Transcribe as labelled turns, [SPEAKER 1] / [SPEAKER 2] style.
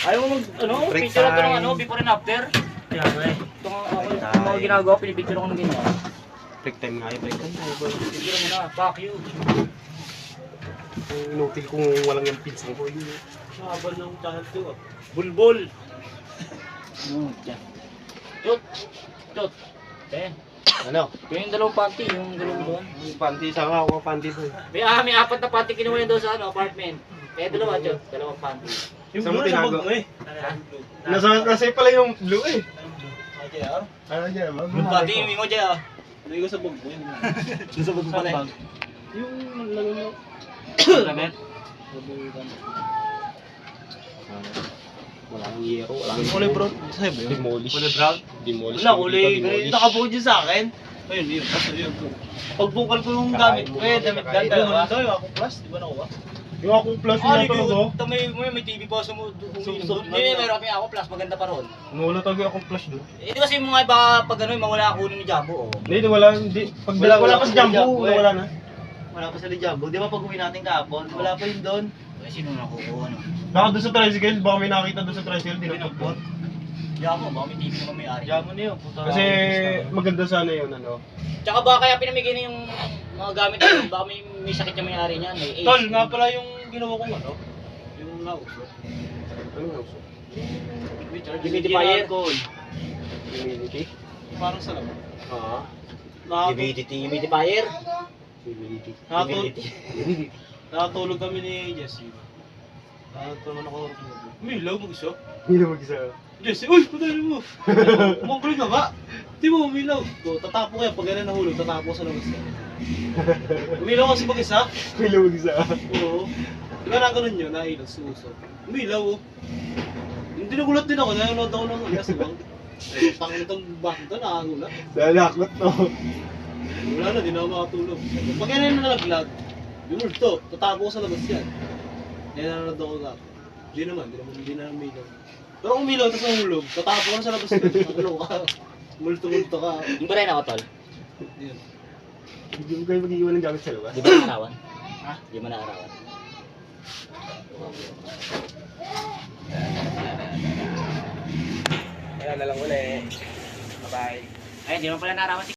[SPEAKER 1] Ayaw mo mag, ano,
[SPEAKER 2] Break
[SPEAKER 1] picture ito ng
[SPEAKER 2] time.
[SPEAKER 1] ano, before and after.
[SPEAKER 3] Kaya nga eh.
[SPEAKER 1] Itong mga ginagawa, pinipicture ako ng ganyan.
[SPEAKER 2] Break time nga, break time tayo boy.
[SPEAKER 1] Picture mo na, fuck you.
[SPEAKER 2] Inutil kung walang yung pinsang ko yun.
[SPEAKER 3] Habang ng channel 2 ah.
[SPEAKER 1] Bulbul. Diyan. Chot. Chot. Eh,
[SPEAKER 2] Ano?
[SPEAKER 1] yung dalawang panty, yung dalawang doon.
[SPEAKER 2] Panty, saka ako panty boy.
[SPEAKER 1] May apat na panty kinuha yun doon sa ano, apartment. Kaya dalawa, Chot. Dalawang panty.
[SPEAKER 3] Yung
[SPEAKER 2] Saan mo
[SPEAKER 3] blue nasa
[SPEAKER 2] tinago?
[SPEAKER 3] bag mo eh.
[SPEAKER 2] Nasa pala yung blue eh.
[SPEAKER 3] JR?
[SPEAKER 2] Ano dyan?
[SPEAKER 1] Yung panty, yung mingo dyan ah.
[SPEAKER 3] Lagay ko sa bag mo yun.
[SPEAKER 1] Doon sa bag pala eh.
[SPEAKER 3] Yung lagay mo.
[SPEAKER 1] Damit?
[SPEAKER 2] Walang yero, walang
[SPEAKER 3] Kulay brown. Sa'yo ba yun?
[SPEAKER 2] demolish.
[SPEAKER 3] Kulay brown?
[SPEAKER 2] Demolish.
[SPEAKER 3] Wala, kulay.
[SPEAKER 2] Demolish.
[SPEAKER 3] Nakabuo dyan sa akin. Ayun, yun. Basta yun. Pagbukal ko yung gamit ko eh. Damit
[SPEAKER 2] Kakain
[SPEAKER 3] ganda.
[SPEAKER 2] mo.
[SPEAKER 3] Ano daw yung akong plus? Di ba nakuha?
[SPEAKER 2] Yung akong plus na talaga.
[SPEAKER 1] May TV pa sa mo. Hindi, meron kami ako plus, maganda pa ron.
[SPEAKER 2] Wala talaga akong plus doon.
[SPEAKER 1] Eh, di kasi yung mga iba, pag ano, mawala ako ni Jumbo, oh.
[SPEAKER 2] Hindi, wala. Hindi. Pag wala pa si Jumbo, wala na.
[SPEAKER 3] Wala pa sa Lijambo. Di ba pag uwi natin kahapon? Wala pa yun doon.
[SPEAKER 1] Eh, sino nakukuha, ano?
[SPEAKER 2] Baka doon sa tricycle, baka may nakita doon sa tricycle, dinapot.
[SPEAKER 1] Jumbo, baka may TV naman may-ari.
[SPEAKER 3] Lijambo na yun. Puta.
[SPEAKER 2] Kasi maganda sana yun, ano.
[SPEAKER 1] Tsaka baka kaya pinamigay na yung mga gamit na baka may sakit yung may-ari niyan, may AIDS.
[SPEAKER 3] Tol, nga pala yung ginawa kong ano. Yung nauso.
[SPEAKER 2] Ano nga gusto?
[SPEAKER 1] Humidifier.
[SPEAKER 2] Humidity?
[SPEAKER 3] Parang sa laman.
[SPEAKER 1] Humidifier.
[SPEAKER 2] Humidity.
[SPEAKER 3] Nakatulog kami ni Jessie. Nakatulog ako. Umilaw mag-isa.
[SPEAKER 2] Hindi na mag-isa.
[SPEAKER 3] Jessie, uy! Patayin mo! Umangkuloy na ba? Di mo umilaw. Tatapo kaya pag gano'n nahulog, tatapo sa labas niya. Umilaw kasi mag-isa.
[SPEAKER 2] Hindi na mag-isa.
[SPEAKER 3] Oo. Di ba na ganun yun, nailaw, suso. Umilaw oh. Hindi nagulat din ako, nanonood ako ng aswang. Tangin itong bakit ito, nakagulat.
[SPEAKER 2] Dalakot to.
[SPEAKER 3] Wala na, di na ako makatulog. Pag yan na nalaglag, yung multo, tatapo ko sa labas yan. Yan nanonood ako nga. Hindi na umilaw. Pero kung umilaw, tapos nahulog, tatapo ko na sa labas yan. Ano ka? Multo-multo ka.
[SPEAKER 1] Yung ba rin ako, tol?
[SPEAKER 3] Yan.
[SPEAKER 2] Hindi mo kayo mag-iwan ng gamit sa labas.
[SPEAKER 1] Di ba naarawan?
[SPEAKER 3] Ha?
[SPEAKER 1] Di ba naarawan?
[SPEAKER 2] Kaya na lang ulit. Bye-bye.
[SPEAKER 1] Ay, di mo pala naarawan si